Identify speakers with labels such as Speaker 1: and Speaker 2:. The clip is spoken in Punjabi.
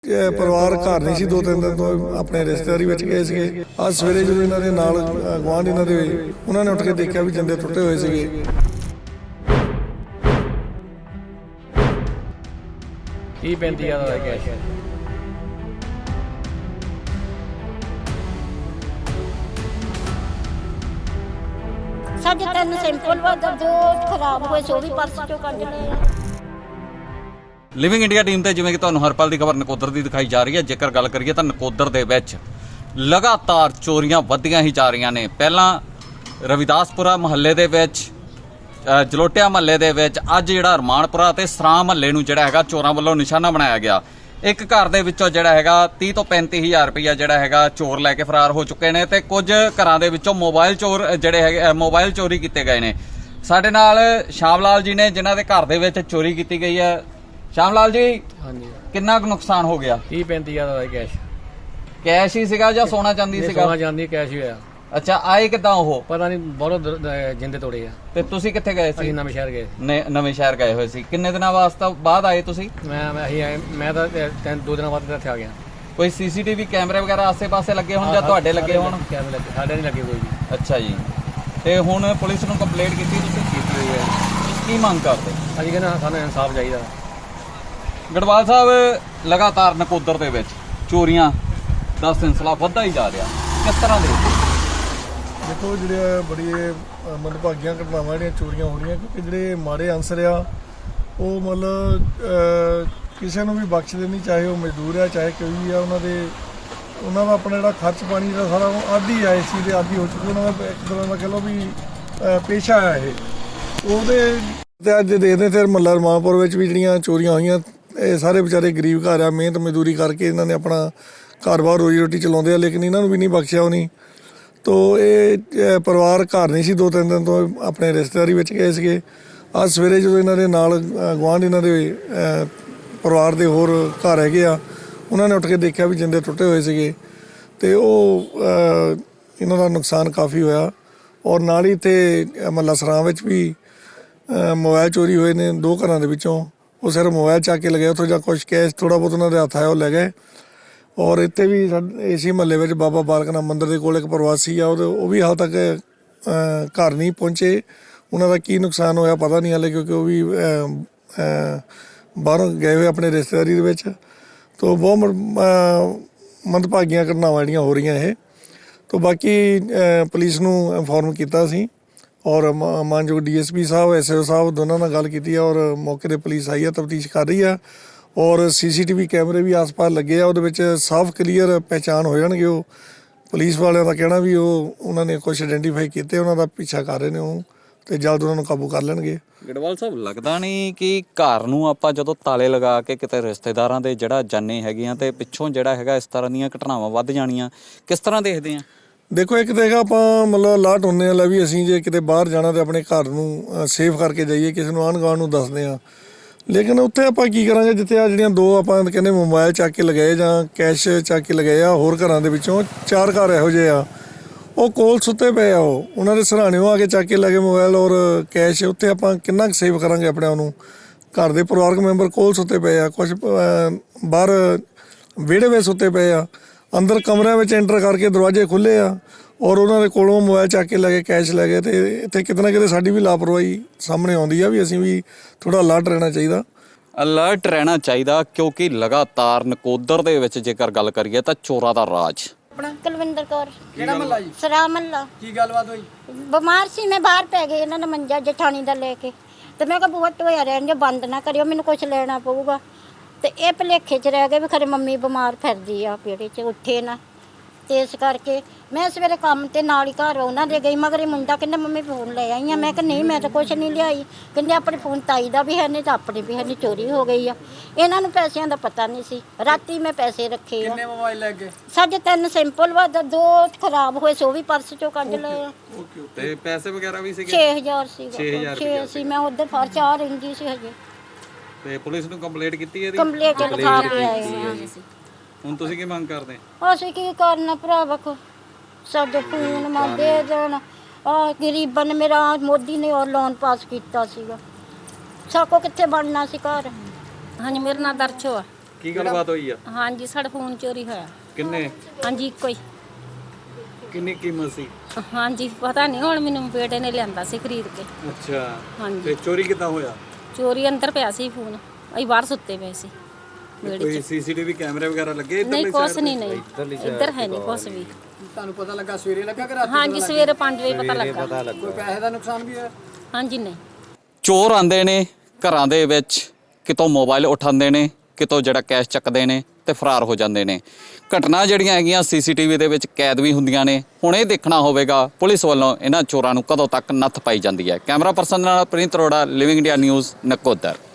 Speaker 1: ਪਰਿਵਾਰ ਘਰ ਨਹੀਂ ਸੀ, 2-3 ਦਿਨ ਤੋਂ ਆਪਣੇ ਰਿਸ਼ਤੇਦਾਰੀ ਵਿੱਚ ਗਏ ਸੀਗੇ। ਅੱਜ ਸਵੇਰੇ ਜਦੋਂ ਇਹਨਾਂ ਦੇ ਨਾਲ ਗੁਆਂਢ ਇਹਨਾਂ ਦੇ ਹੋਏ, ਉਹਨਾਂ ਨੇ ਉੱਠ ਕੇ ਦੇਖਿਆ ਵੀ ਜਿੰਦੇ ਟੁੱਟੇ ਹੋਏ ਸੀਗੇ।
Speaker 2: ਕੀ 35,000 ਦਾ ਕੈਸ਼
Speaker 3: ਸਾਡੇ 3 ਸਿੰਪਲ ਵਾ, 2 ਖਰਾਬ ਹੋਏ ਸੀ, ਉਹ ਵੀ ਪਰਸ ਚੋਂ ਕੱਢ ਲਏ ਆ।
Speaker 4: ਲਿਵਿੰਗ ਇੰਡੀਆ ਟੀਮ ਤੇ ਜਿਵੇਂ ਕਿ ਤੁਹਾਨੂੰ ਹਰ ਪਲ ਦੀ ਖਬਰ ਨਕੋਦਰ ਦੀ ਦਿਖਾਈ ਜਾ ਰਹੀ ਹੈ। ਜੇਕਰ ਗੱਲ ਕਰੀਏ ਤਾਂ ਨਕੋਦਰ ਦੇ ਵਿੱਚ ਲਗਾਤਾਰ ਚੋਰੀਆਂ ਵੱਧਦੀਆਂ ਹੀ ਜਾ ਰਹੀਆਂ ਨੇ। ਪਹਿਲਾਂ ਰਵਿਦਾਸਪੁਰਾ ਮੁਹੱਲੇ ਦੇ ਵਿੱਚ, ਜਲੋਟਿਆ ਮੁਹੱਲੇ ਦੇ ਵਿੱਚ, ਅੱਜ ਜਿਹੜਾ ਰਮਾਨਪੁਰਾ ਤੇ ਸਰਾਂ ਮੁਹੱਲੇ ਨੂੰ ਜਿਹੜਾ ਹੈਗਾ ਚੋਰਾਂ ਵੱਲੋਂ ਨਿਸ਼ਾਨਾ ਬਣਾਇਆ ਗਿਆ। ਇੱਕ ਘਰ ਦੇ ਵਿੱਚੋਂ ਜਿਹੜਾ ਹੈਗਾ 30 ਤੋਂ 35,000 ਰੁਪਇਆ ਜਿਹੜਾ ਹੈਗਾ ਚੋਰ ਲੈ ਕੇ ਫਰਾਰ ਹੋ ਚੁੱਕੇ ਨੇ ਤੇ ਕੁਝ ਘਰਾਂ ਦੇ ਵਿੱਚੋਂ ਮੋਬਾਈਲ ਚੋਰ ਜਿਹੜੇ ਹੈਗੇ ਮੋਬਾਈਲ ਚੋਰੀ ਕੀਤੇ ਗਏ ਨੇ। ਸਾਡੇ ਨਾਲ ਸ਼ਾਮ ਲਾਲ ਜੀ ਨੇ ਜਿਨ੍ਹਾਂ ਦੇ ਘਰ ਦੇ ਵਿੱਚ ਚੋਰੀ ਕੀਤੀ ਗਈ ਹੈ। ਸ਼ਾਮ ਲਾਲ ਜੀ,
Speaker 2: ਹਾਂਜੀ,
Speaker 4: ਕਿੰਨਾ ਕੁ ਨੁਕਸਾਨ ਹੋ ਗਿਆ?
Speaker 2: 30-35,000 ਦਾ ਕੈਸ਼
Speaker 4: ਕੈਸ਼ ਹੀ ਸੀਗਾ ਜਾਂ ਸੋਨਾ ਚਾਂਦੀ ਸੀਗਾ?
Speaker 2: ਸੋਨਾ ਚਾਂਦੀ ਕੈਸ਼ ਹੀ ਹੋਇਆ।
Speaker 4: ਅੱਛਾ, ਆਏ ਕਿੱਦਾਂ ਉਹ?
Speaker 2: ਪਤਾ ਨਹੀਂ, ਬਹੁਤ ਜਿੰਦੇ ਤੋੜੇ ਆ।
Speaker 4: ਤੇ ਤੁਸੀਂ ਕਿੱਥੇ ਗਏ ਸੀ?
Speaker 2: ਅਸੀਂ ਨਵੇਂ ਸ਼ਹਿਰ ਗਏ।
Speaker 4: ਨਵੇਂ ਸ਼ਹਿਰ ਗਏ ਹੋਏ ਸੀ। ਕਿੰਨੇ ਦਿਨਾਂ ਵਾਸਤੇ ਬਾਅਦ ਆਏ ਤੁਸੀਂ?
Speaker 2: ਮੈਂ ਤਾਂ 2 ਦਿਨਾਂ ਬਾਅਦ ਇੱਥੇ ਆ ਗਿਆ।
Speaker 4: ਕੋਈ ਸੀਸੀਟੀਵੀ ਕੈਮਰੇ ਵਗੈਰਾ ਆਸੇ-ਪਾਸੇ ਲੱਗੇ ਹੋਣ ਜਾਂ ਤੁਹਾਡੇ ਲੱਗੇ ਹੋਣ?
Speaker 2: ਕੈਮਰੇ ਲੱਗੇ, ਸਾਡੇ ਨਹੀਂ ਲੱਗੇ ਕੋਈ ਵੀ।
Speaker 4: ਅੱਛਾ ਜੀ, ਤੇ ਹੁਣ ਪੁਲਿਸ ਨੂੰ ਕੰਪਲੇਂਟ ਕੀਤੀ ਤੁਸੀਂ?
Speaker 2: ਕੀਤੀ ਹੋਈ ਹੈ।
Speaker 4: ਕੀ ਮੰਗ ਕਰਦੇ?
Speaker 2: ਅਸੀਂ ਕਹਿੰਦੇ ਸਾਨੂੰ ਇਨਸਾਫ ਚਾਹੀਦਾ।
Speaker 4: ਗੜਵਾਲ ਸਾਹਿਬ, ਲਗਾਤਾਰ ਨਕੋਦਰ ਦੇ ਵਿੱਚ ਚੋਰੀਆਂ ਦਾ ਸਿਲਸਿਲਾ ਵੱਧਦਾ ਹੀ ਜਾ ਰਿਹਾ, ਕਿਸ ਤਰ੍ਹਾਂ ਦੇ?
Speaker 1: ਦੇਖੋ, ਜਿਹੜੇ ਬੜੀ ਮੰਦਭਾਗੀਆਂ ਘਟਨਾਵਾਂ ਜਿਹੜੀਆਂ ਚੋਰੀਆਂ ਹੋ ਰਹੀਆਂ, ਕਿਉਂਕਿ ਜਿਹੜੇ ਮਾੜੇ ਅਨਸਰ ਆ ਉਹ ਮਤਲਬ ਕਿਸੇ ਨੂੰ ਵੀ ਬਖਸ਼ਦੇ ਨਹੀਂ, ਚਾਹੇ ਉਹ ਮਜ਼ਦੂਰ ਆ ਚਾਹੇ ਕੋਈ ਵੀ ਆ। ਉਹਨਾਂ ਦਾ ਆਪਣਾ ਜਿਹੜਾ ਖਰਚ ਪਾਣੀ ਦਾ ਸਾਰਾ ਆਦੀ ਆ, ਇਸ ਚੀਜ਼ ਦੇ ਆਦੀ ਹੋ ਚੁੱਕੇ। ਉਹਨਾਂ ਦਾ ਇੱਕ ਤਰ੍ਹਾਂ ਦਾ ਕਹਿ ਲਓ ਵੀ ਪੇਸ਼ਾ ਆ ਇਹ। ਉਹਦੇ ਤੇ ਅੱਜ ਦੇਖਦੇ ਫਿਰ ਮਹੱਲਾ ਰਮਾਨਪੁਰ ਵਿੱਚ ਵੀ ਜਿਹੜੀਆਂ ਚੋਰੀਆਂ ਹੋਈਆਂ, ਇਹ ਸਾਰੇ ਵਿਚਾਰੇ ਗਰੀਬ ਘਰ ਆ, ਮਿਹਨਤ ਮਜ਼ਦੂਰੀ ਕਰਕੇ ਇਹਨਾਂ ਨੇ ਆਪਣਾ ਘਰ-ਬਾਰ ਰੋਜੀ ਰੋਟੀ ਚਲਾਉਂਦੇ ਆ, ਲੇਕਿਨ ਇਹਨਾਂ ਨੂੰ ਵੀ ਨਹੀਂ ਬਖਸ਼ਿਆ ਉਹਨੇ। ਤੋ ਇਹ ਪਰਿਵਾਰ ਘਰ ਨਹੀਂ ਸੀ, 2-3 ਦਿਨ ਤੋਂ ਆਪਣੇ ਰਿਸ਼ਤੇਦਾਰੀ ਵਿੱਚ ਗਏ ਸੀਗੇ। ਅੱਜ ਸਵੇਰੇ ਜਦੋਂ ਇਹਨਾਂ ਦੇ ਨਾਲ ਗੁਆਂਢ ਇਹਨਾਂ ਦੇ ਪਰਿਵਾਰ ਦੇ ਹੋਰ ਘਰ ਹੈਗੇ ਆ, ਉਹਨਾਂ ਨੇ ਉੱਠ ਕੇ ਦੇਖਿਆ ਵੀ ਜਿੰਦੇ ਟੁੱਟੇ ਹੋਏ ਸੀਗੇ। ਤੇ ਉਹ ਇਹਨਾਂ ਦਾ ਨੁਕਸਾਨ ਕਾਫੀ ਹੋਇਆ। ਔਰ ਨਾਲ ਹੀ ਇੱਥੇ ਮਹੱਲਾ ਸਰਾਂ ਵਿੱਚ ਵੀ ਮੋਬਾਈਲ ਚੋਰੀ ਹੋਏ ਨੇ 2 ਘਰਾਂ ਦੇ ਵਿੱਚੋਂ। ਉਹ ਸਿਰਫ ਮੋਬਾਈਲ ਚੱਕ ਕੇ ਲਗਾਏ ਉੱਥੋਂ, ਜਾਂ ਕੁਛ ਕੈਸ਼ ਥੋੜ੍ਹਾ ਬਹੁਤ ਉਹਨਾਂ ਦੇ ਹੱਥ ਆਇਆ ਉਹ ਲੈ ਗਏ। ਔਰ ਇੱਥੇ ਵੀ ਇਸੇ ਮਹੱਲੇ ਵਿੱਚ ਬਾਬਾ ਬਾਲਕ ਨਾਥ ਮੰਦਿਰ ਦੇ ਕੋਲ ਇੱਕ ਪ੍ਰਵਾਸੀ ਆ, ਉਹ ਵੀ ਹਾਲ ਤੱਕ ਘਰ ਨਹੀਂ ਪਹੁੰਚੇ। ਉਹਨਾਂ ਦਾ ਕੀ ਨੁਕਸਾਨ ਹੋਇਆ ਪਤਾ ਨਹੀਂ ਹਾਲੇ, ਕਿਉਂਕਿ ਉਹ ਵੀ ਬਾਹਰੋਂ ਗਏ ਹੋਏ ਆਪਣੇ ਰਿਸ਼ਤੇਦਾਰੀ ਦੇ ਵਿੱਚ। ਤੋ ਬਹੁਤ ਮੰਦਭਾਗੀਆਂ ਘਟਨਾਵਾਂ ਜਿਹੜੀਆਂ ਹੋ ਰਹੀਆਂ ਇਹ। ਤੋ ਬਾਕੀ ਪੁਲਿਸ ਨੂੰ ਇਨਫੋਰਮ ਕੀਤਾ ਸੀ, ਔਰ ਮਾਨਯੋਗ DSP ਸਾਹਿਬ, SO ਸਾਹਿਬ ਦੋਨਾਂ ਨਾਲ ਗੱਲ ਕੀਤੀ ਆ, ਔਰ ਮੌਕੇ 'ਤੇ ਪੁਲਿਸ ਆਈ ਆ, ਤਫਤੀਸ਼ ਕਰ ਰਹੀ ਆ। ਔਰ CCTV ਕੈਮਰੇ ਵੀ ਆਸ-ਪਾਸ ਲੱਗੇ ਆ, ਉਹਦੇ ਵਿੱਚ ਸਾਫ਼ ਕਲੀਅਰ ਪਹਿਚਾਣ ਹੋ ਜਾਣਗੇ। ਉਹ ਪੁਲਿਸ ਵਾਲਿਆਂ ਦਾ ਕਹਿਣਾ ਵੀ ਉਹਨਾਂ ਨੇ ਕੁਛ ਆਇਡੈਂਟੀਫਾਈ ਕੀਤੇ, ਉਹਨਾਂ ਦਾ ਪਿੱਛਾ ਕਰ ਰਹੇ ਨੇ ਉਹ, ਤੇ ਜਲਦ ਉਹਨਾਂ ਨੂੰ ਕਾਬੂ ਕਰ ਲੈਣਗੇ।
Speaker 4: ਗੜਵਾਲ ਸਾਹਿਬ, ਲੱਗਦਾ ਨਹੀਂ ਕਿ ਘਰ ਨੂੰ ਆਪਾਂ ਜਦੋਂ ਤਾਲੇ ਲਗਾ ਕੇ ਕਿਤੇ ਰਿਸ਼ਤੇਦਾਰਾਂ ਦੇ ਜਿਹੜਾ ਜਾਣੇ ਹੈਗੀਆਂ ਤੇ ਪਿੱਛੋਂ ਜਿਹੜਾ ਹੈਗਾ ਇਸ ਤਰ੍ਹਾਂ ਦੀਆਂ ਘਟਨਾਵਾਂ ਵੱਧ ਜਾਣੀਆਂ, ਕਿਸ ਤਰ੍ਹਾਂ ਦੇਖਦੇ ਆ?
Speaker 1: ਦੇਖੋ, ਇੱਕ ਤਾਂ ਹੈਗਾ ਆਪਾਂ ਮਤਲਬ ਅਲਰਟ ਹੁੰਦੇ ਆ, ਲੈ ਵੀ ਅਸੀਂ ਜੇ ਕਿਤੇ ਬਾਹਰ ਜਾਣਾ ਤਾਂ ਆਪਣੇ ਘਰ ਨੂੰ ਸੇਫ ਕਰਕੇ ਜਾਈਏ, ਕਿਸੇ ਨੂੰ ਆਂਢ-ਗੁਆਂਢ ਨੂੰ ਦੱਸਦੇ ਆ। ਲੇਕਿਨ ਉੱਥੇ ਆਪਾਂ ਕੀ ਕਰਾਂਗੇ ਜਿੱਥੇ ਆ ਜਿਹੜੀਆਂ 2 ਆਪਾਂ ਕਹਿੰਦੇ ਮੋਬਾਈਲ ਚੱਕ ਕੇ ਲਗਾਏ ਜਾਂ ਕੈਸ਼ ਚੱਕ ਕੇ ਲਗਾਏ ਆ। ਹੋਰ ਘਰਾਂ ਦੇ ਵਿੱਚੋਂ 4 ਘਰ ਇਹੋ ਜਿਹੇ ਆ, ਉਹ ਕੋਲ ਸੁੱਤੇ ਪਏ ਆ, ਉਹਨਾਂ ਦੇ ਸਰਾਣਿਓਂ ਆ ਕੇ ਚੱਕ ਕੇ ਲਗੇ ਮੋਬਾਈਲ ਔਰ ਕੈਸ਼। ਉੱਥੇ ਆਪਾਂ ਕਿੰਨਾ ਕੁ ਸੇਫ ਕਰਾਂਗੇ ਆਪਣੇ ਆਪ ਨੂੰ? ਘਰ ਦੇ ਪਰਿਵਾਰਕ ਮੈਂਬਰ ਕੋਲ ਸੁੱਤੇ ਪਏ ਆ, ਕੁਛ ਬਾਹਰ ਵਿਹੜੇ ਵਿੱਚ ਸੁੱਤੇ ਪਏ ਆ, ਅੰਦਰ ਕਮਰਿਆਂ ਵਿੱਚ ਐਂਟਰ ਕਰਕੇ ਦਰਵਾਜ਼ੇ ਖੁੱਲ੍ਹੇ ਆ, ਔਰ ਉਹਨਾਂ ਦੇ ਕੋਲੋਂ ਮੋਬਾਈਲ ਚੱਕ ਕੇ ਲੈ ਗਏ, ਕੈਸ਼ ਲੈ ਗਏ। ਤੇ ਇੱਥੇ ਕਿਤੇ ਨਾ ਕਿਤੇ ਸਾਡੀ ਵੀ ਲਾਪਰਵਾਹੀ ਸਾਹਮਣੇ ਆਉਂਦੀ ਆ ਵੀ ਅਸੀਂ ਵੀ ਥੋੜ੍ਹਾ ਅਲਰਟ ਰਹਿਣਾ ਚਾਹੀਦਾ। ਕਿਉਂਕਿ ਲਗਾਤਾਰ ਨਕੋਦਰ ਦੇ ਵਿੱਚ ਜੇਕਰ ਗੱਲ ਕਰੀਏ ਤਾਂ ਚੋਰਾਂ ਦਾ ਰਾਜ।
Speaker 3: ਕੁਲਵਿੰਦਰ ਕੌਰ।
Speaker 2: ਕਿਹੜਾ ਮਹੱਲਾ ਜੀ?
Speaker 3: ਸਰਾਂ ਮਹੱਲਾ।
Speaker 2: ਕੀ ਗੱਲਬਾਤ ਹੋਈ?
Speaker 3: ਬਿਮਾਰ ਸੀ ਮੈਂ, ਬਾਹਰ ਪੈ ਗਈ ਇਹਨਾਂ ਨੇ ਮੰਜਾ ਜਠਾਣੀ ਦਾ ਲੈ ਕੇ, ਤੇ ਮੈਂ ਕਿਹਾ ਬੂਹਾ ਢੋਇਆ ਰਹਿਣ ਦਿਓ, ਬੰਦ ਨਾ ਕਰਿਓ, ਮੈਨੂੰ ਕੁਛ ਲੈਣਾ ਪਊਗਾ। ਤੇ ਇਹ ਭੁਲੇਖੇ 'ਚ ਰਹਿ ਗਏ ਵੀ ਖਰੇ ਮੰਮੀ ਬਿਮਾਰ ਫਿਰਦੀ ਆ, ਵਿਹੜੇ 'ਚ ਉੱਠੇ ਨਾ, ਤੇ ਇਸ ਕਰਕੇ ਮੈਂ ਸਵੇਰੇ ਕੰਮ ਤੇ ਨਾਲ ਹੀ ਘਰ ਉਹਨਾਂ ਦੇ ਗਈ। ਮਗਰ ਇਹ ਮੁੰਡਾ ਕਹਿੰਦਾ ਮੰਮੀ ਫੋਨ ਲੈ ਆਈ ਆ। ਮੈਂ ਕਿਹਾ ਨਹੀਂ, ਮੈਂ ਤਾਂ ਕੁਛ ਨਹੀਂ ਲਿਆਈ। ਕਹਿੰਦੇ ਆਪਣੇ ਫੋਨ ਤਾਈ ਦਾ ਵੀ ਹੈ ਨਹੀਂ ਤਾਂ ਆਪਣੇ ਵੀ ਹੈ ਨਹੀਂ, ਚੋਰੀ ਹੋ ਗਈ ਆ। ਇਹਨਾਂ ਨੂੰ ਪੈਸਿਆਂ ਦਾ ਪਤਾ ਨਹੀਂ ਸੀ। ਰਾਤੀ ਮੈਂ ਪੈਸੇ ਰੱਖੇ ਆ।
Speaker 2: ਕਿੰਨੇ ਮੋਬਾਈਲ ਲੈ ਗਏ?
Speaker 3: ਸਾਡੇ 3 ਸਿੰਪਲ ਵਾ, 2 ਖਰਾਬ ਹੋਏ ਸੀ, ਉਹ ਵੀ ਪਰਸ ਚੋਂ ਕੱਢ ਲਏ ਆ।
Speaker 4: ਤੇ ਪੈਸੇ ਵਗੈਰਾ ਵੀ ਸੀਗੇ?
Speaker 3: 6000 ਸੀਗਾ। 6 ਸੀ। ਮੈਂ ਉੱਧਰ ਫਰ 4 ਰਹਿੰਦੀ ਸੀ ਹਜੇ।
Speaker 4: ਤੇ ਪੁਲਿਸ ਨੂੰ ਕੰਪਲੇਂਟ ਕੀਤੀ ਇਹਦੀ?
Speaker 3: ਕੰਪਲੀਟ ਲਿਖਾ ਕੇ ਆਏ ਹਾਂ।
Speaker 4: ਹੁਣ ਤੁਸੀਂ ਕੀ ਮੰਗ ਕਰਦੇ?
Speaker 3: ਅਸੀਂ ਕੀ ਕਰਨਾ ਭਰਾ, ਵੇਖੋ ਸਾਡੇ ਫੋਨ ਮਾ ਦੇ ਦੇਣ। ਗਰੀਬਾਂ ਨੇ ਮੇਰਾ ਮੋਦੀ ਨੇ ਉਹ ਲੋਨ ਪਾਸ ਕੀਤਾ ਸੀਗਾ, ਸਾਕੋ ਕਿੱਥੇ ਬਣਨਾ ਸੀ ਘਰ।
Speaker 5: ਹਾਂਜੀ, ਮੇਰਾ ਨਾਂ ਦਰਸ਼ੋ ਆ।
Speaker 4: ਕੀ ਗੱਲਬਾਤ ਹੋਈ ਆ?
Speaker 5: ਹਾਂਜੀ ਸਾਡਾ ਫੋਨ ਚੋਰੀ ਹੋਇਆ।
Speaker 4: ਕਿੰਨੇ?
Speaker 5: ਹਾਂਜੀ ਇੱਕੋ ਹੀ।
Speaker 4: ਕਿੰਨੀ ਕੀਮਤ ਸੀ?
Speaker 5: ਹਾਂਜੀ ਪਤਾ ਨਹੀਂ, ਹੁਣ ਮੈਨੂੰ ਬੇਟੇ ਨੇ ਲਿਆਂਦਾ ਸੀ ਖਰੀਦ ਕੇ।
Speaker 4: ਅੱਛਾ,
Speaker 5: ਹਾਂਜੀ
Speaker 4: ਤੇ ਚੋਰੀ ਕਿੱਦਾਂ ਹੋਇਆ?
Speaker 5: ਚੋਰੀ ਅੰਦਰ ਪਿਆ ਸੀ ਫੋਨ, ਅਸੀਂ ਬਾਹਰ ਸੁੱਤੇ ਪਏ ਸੀ ਵਿਹੜੇ
Speaker 4: ਕੋਈ
Speaker 5: 'ਚ।
Speaker 4: ਸੀਸੀਟੀਵੀ ਕੈਮਰੇ ਵਗੈਰਾ ਲੱਗੇ
Speaker 5: ਨਹੀਂ ਕੁਛ ਨਹੀਂ, ਨਹੀਂ ਇੱਧਰ ਹੈ ਨਹੀਂ ਕੁਛ ਵੀ।
Speaker 2: ਤੁਹਾਨੂੰ ਪਤਾ ਲੱਗਾ ਸਵੇਰੇ ਲੱਗਾ ਕਿ ਰਾਤੀ?
Speaker 5: ਹਾਂਜੀ ਸਵੇਰੇ 5 ਵਜੇ ਪਤਾ ਲੱਗਾ।
Speaker 2: ਕੋਈ ਪੈਸੇ ਦਾ ਨੁਕਸਾਨ ਵੀ ਹੋਇਆ?
Speaker 5: ਹਾਂਜੀ ਨਹੀਂ।
Speaker 4: ਚੋਰ ਆਂਦੇ ਨੇ ਘਰਾਂ ਦੇ ਵਿੱਚ, ਕਿਤੋਂ ਮੋਬਾਈਲ ਉਠਾਉਂਦੇ ਨੇ, ਕਿਤੋਂ ਜਿਹੜਾ ਕੈਸ਼ ਚੱਕਦੇ ਨੇ ਤੇ ਫਰਾਰ ਹੋ ਜਾਂਦੇ ਨੇ। ਘਟਨਾ ਜਿਹੜੀਆਂ ਹੈਗੀਆਂ ਸੀਸੀਟੀਵੀ ਦੇ ਵਿੱਚ ਕੈਦ ਵੀ ਹੁੰਦੀਆਂ ਨੇ। ਹੁਣ ਇਹ ਦੇਖਣਾ ਹੋਵੇਗਾ ਪੁਲਿਸ ਵੱਲੋਂ ਇਹਨਾਂ ਚੋਰਾਂ ਨੂੰ ਕਦੋਂ ਤੱਕ ਨੱਥ ਪਾਈ ਜਾਂਦੀ ਹੈ। ਕੈਮਰਾ ਪਰਸਨ ਨਾਲ ਪ੍ਰਿੰਤ Arora, living India news, Nakodar.